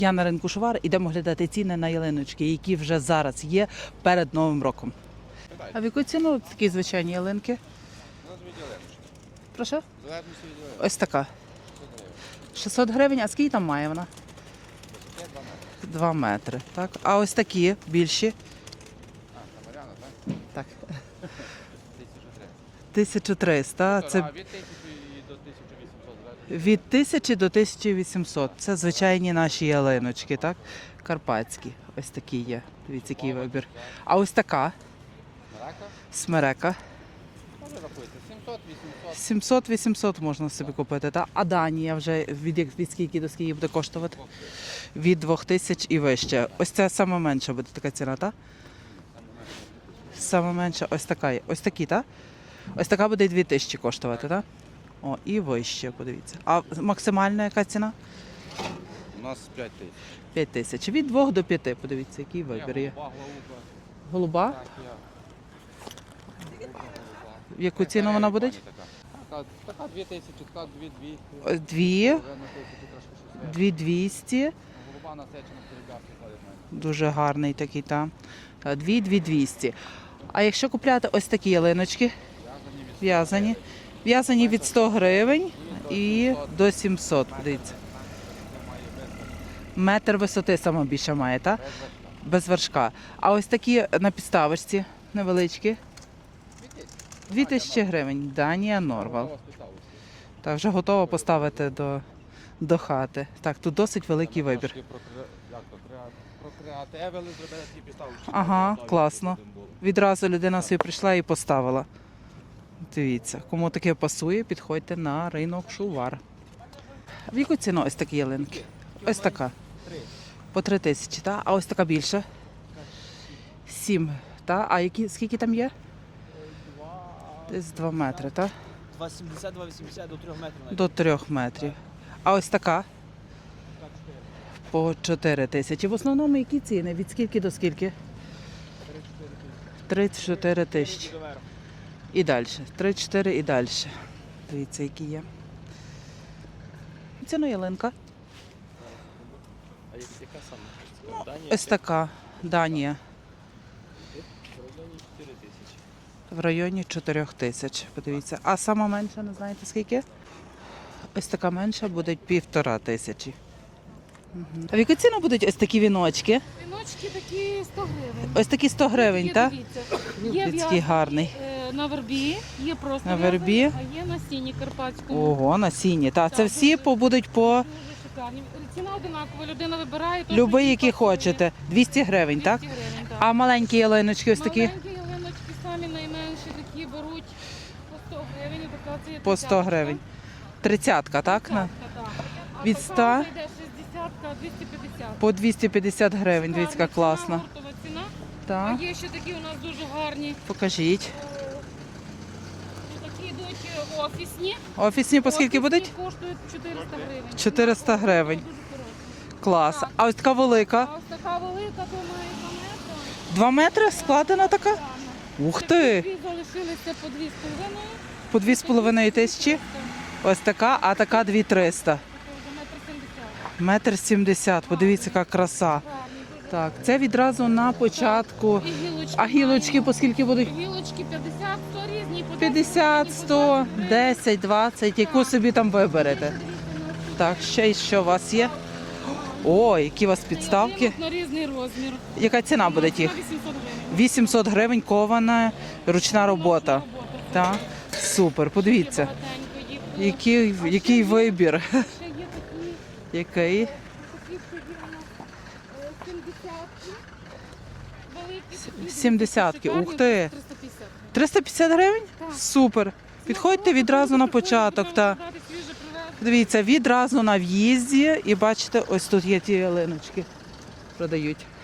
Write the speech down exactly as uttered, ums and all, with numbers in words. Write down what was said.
Я на ринку Шувар, ідемо глядати ціни на ялиночки, які вже зараз є перед Новим роком. А в яку ціну такі звичайні ялинки? Прошу? Ось така. шістсот гривень, а скільки там має вона? Два метри. Так. А ось такі більші? Так. тисяча триста. Це від тисячі до тисячі вісімсот. Це звичайні наші ялиночки, так? Карпатські. Ось такі є. Дивіться, який вибір. А ось така? Смерека. сімсот-вісімсот можна собі купити, так? А Данія вже від, від скільки до скільки буде коштувати? Від двох тисяч і вище. Ось це саме менша буде така ціна, так? Саме менша ось така є. Ось такі, так? Ось така буде дві тисячі коштувати, так? О, і вище, подивіться. А максимальна яка ціна? У нас п'ять тисяч. п'ять тисяч. Від двох до п'яти, подивіться, який вибір є. Голуба? В яку ціну вона буде? Така дві тисячі, така дві-дві. Дві. Дві двісті. Голуба насечена перебявки ходить. Дуже гарний такий, так. Дві, дві двісті. А якщо купляти ось такі ялиночки, в'язані, в'язані від сто гривень і до сімсот, подивіться. Метр висоти саме більше має, так? Без вершка. А ось такі на підставочці невеличкі. Дві тисячі гривень. Данія Норвал. Так, вже готова поставити до, до хати. Так, тут досить великий вибір. Ага, класно. Відразу людина собі прийшла і поставила. Дивіться, кому таке пасує, підходьте на ринок Шувар. В яку ціну ось такі ялинки? Ось така. По три тисячі, так? А ось така більша? Сім, так? А які, скільки там є? Десь два метри, так? два сімдесят - два вісімдесят до трьох метрів. До трьох метрів. А ось така? По чотири тисячі. В основному які ціни? Від скільки до скільки? три-чотири тисячі. І далі. три-чотири і далі. Дивіться, які є. Ціна ялинка. А яка саме? Данія? Ось така. Данія. В районі чотири тисячі. Подивіться. А сама менша, не знаєте скільки? Ось така менша буде півтора тисячі. Угу. А в яку ціну будуть ось такі віночки? Віночки такі сто гривень. Ось такі сто гривень, Є, так? дивіться, Є Людський в'язані, гарний. е, на вербі, є просто На в'язані, вербі. а є на сіні карпатському. Ого, на сіні. Та, це Так, всі дуже- побудуть по Дуже шикарні. Ціна одинакова, людина вибирає. той, любий, який які пасує. хочете. двісті гривень, так? двісті гривень, так. А маленькі ялиночки ось такі? Маленькі ялиночки самі найменші такі беруть по сто гривень. Така це є По сто тридцятка. гривень. Тридцятка, так? На- Тридцятка, так. А Від така ста? вже йде шістдесятка, двісті п'ятдесят. По двісті п'ятдесят гривень, дивіться, яка Ціна, класна. гуртова ціна. А Так, є ще такі у нас дуже гарні. покажіть. Такі йдуть е, офісні. Офісні по скільки Офісні будуть? коштують чотириста гривень. чотириста гривень. Дуже хороші. Клас. Так. А ось така велика. А ось така велика, то має два метри. Два метри складена така? Ух ти! Дві залишилися по дві з половиною. По дві з половиною тисячі. Ось така, а така дві триста. Це вже метр сімдесят. Метр сімдесят. Подивіться, яка краса. Гарні, дуже Так, це відразу на початку. І гілочки. А гілочки по скільки будуть? маємо. Гілочки п'ятдесят, сто різні. По п'ятдесят, сто, десять, двадцять, яку собі там виберете. Так, ще й що у вас є? О, які у вас підставки. На різний розмір. Яка ціна буде Ціна їх? вісімсот гривень. вісімсот гривень кована ручна робота. Робота. Так, супер, подивіться, Багатенько їх. який, який вибір. Ще є такі. Який? Такі собі у нас е, сімдесятки. Великі такі. Сімдесятки, Шикарні, ух ти. триста п'ятдесят. триста п'ятдесят гривень? Так. Супер. Підходьте відразу на початок. Та. Брати свіже, привезти. Дивіться, відразу на в'їзді і бачите, ось тут є ті ялиночки, продають.